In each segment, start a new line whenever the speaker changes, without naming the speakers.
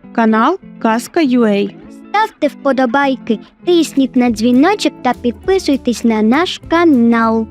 канал Казка.UA.
Ставте вподобайки, тисніть на дзвіночок та підписуйтесь на наш канал.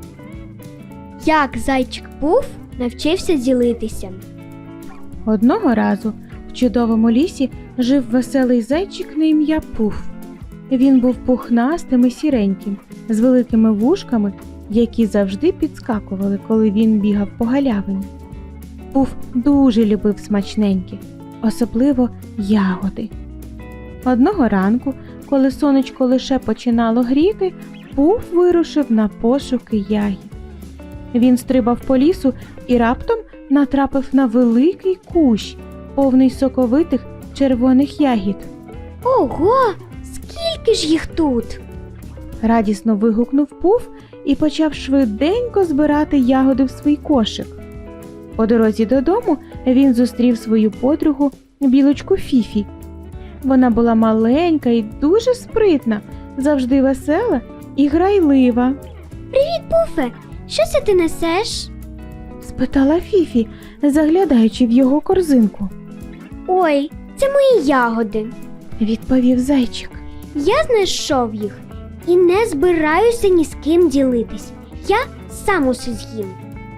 Як зайчик Пуф навчився ділитися.
Одного разу в чудовому лісі жив веселий зайчик на ім'я Пуф. Він був пухнастим і сіреньким, з великими вушками, які завжди підскакували, коли він бігав по галявині. Пуф дуже любив смачненькі, особливо ягоди. Одного ранку, коли сонечко лише починало гріти, Пуф вирушив на пошуки ягід. Він стрибав по лісу і раптом натрапив на великий кущ, повний соковитих червоних ягід.
Ого, скільки ж їх тут?
Радісно вигукнув Пуф і почав швиденько збирати ягоди в свій кошик. По дорозі додому він зустрів свою подругу, білочку Фіфі. Вона була маленька і дуже спритна, завжди весела і грайлива.
Пуфе, що це ти несеш?
Спитала Фіфі, заглядаючи в його корзинку.
Ой, це мої ягоди.
Відповів зайчик.
Я знайшов їх і не збираюся ні з ким ділитись. Я сам усе з'їм.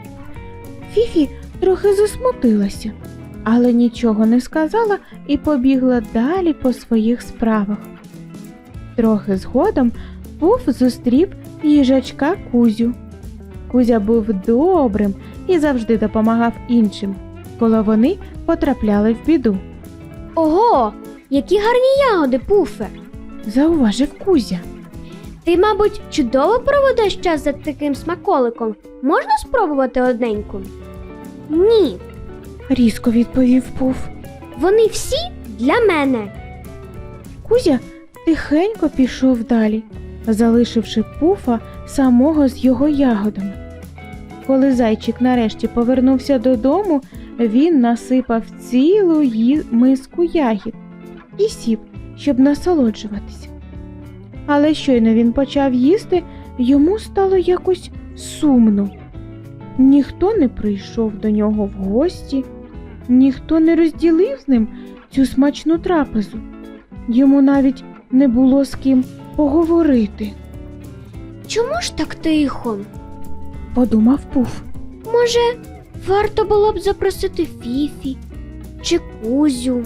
Фіфі трохи засмутилася, але нічого не сказала і побігла далі по своїх справах. Трохи згодом Пуф зустрів їжачка Кузю. Кузя був добрим і завжди допомагав іншим, коли вони потрапляли в біду.
Ого, які гарні ягоди, Пуфе.
Зауважив Кузя.
Ти, мабуть, чудово проведеш час за таким смаколиком. Можна спробувати одненьку? Ні,
Різко відповів Пуф.
вони всі для мене.
Кузя тихенько пішов далі, залишивши Пуфа самого з його ягодами. Коли зайчик нарешті повернувся додому, він насипав цілу миску ягід і сів, щоб насолоджуватися. Але щойно він почав їсти, йому стало якось сумно. Ніхто не прийшов до нього в гості, ніхто не розділив з ним цю смачну трапезу. Йому навіть не було з ким поговорити,
Чому ж так тихо?
подумав Пуф.
Може, варто було б запросити Фіфі чи Кузю?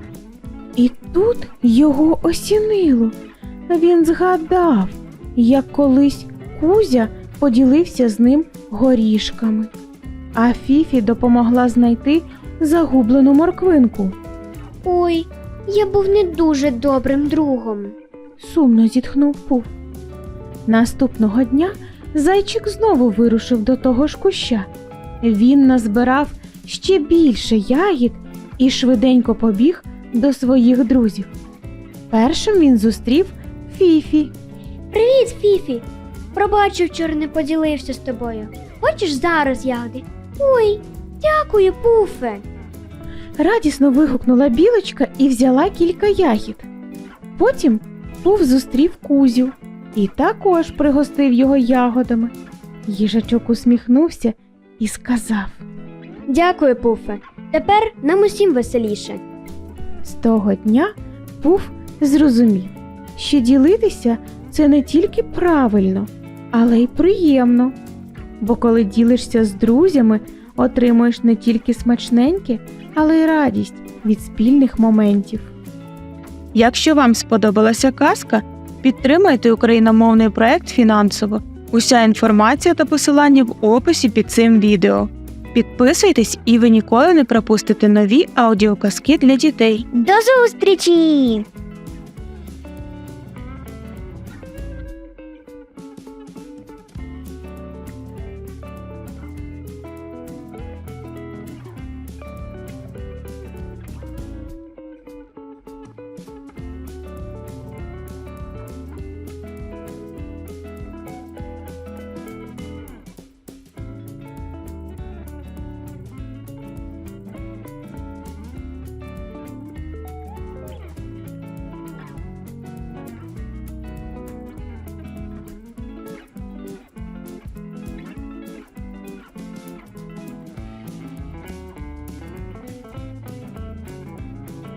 І тут його осінило. Він згадав, як колись Кузя поділився з ним горішками, а Фіфі допомогла знайти загублену морквинку.
Ой, я був не дуже добрим другом.
Сумно зітхнув Пуф. Наступного дня зайчик знову вирушив до того ж куща. Він назбирав ще більше ягід і швиденько побіг до своїх друзів. Першим він зустрів Фіфі.
Привіт, Фіфі! Пробачу, вчора не поділився з тобою. Хочеш зараз ягоди? Ой, дякую, Пуфе!
Радісно вигукнула білочка і взяла кілька ягід. Потім Пуф зустрів Кузю і також пригостив його ягодами. Їжачок усміхнувся і сказав:
Дякую, Пуфе. Тепер нам усім веселіше.
з того дня Пуф зрозумів, що ділитися – це не тільки правильно, але й приємно. Бо коли ділишся з друзями, отримуєш не тільки смачненьке, але й радість від спільних моментів.
Якщо вам сподобалася казка, підтримайте україномовний проект фінансово. Уся інформація та посилання в описі під цим відео. Підписуйтесь, і ви ніколи не пропустите нові аудіоказки для дітей.
До зустрічі!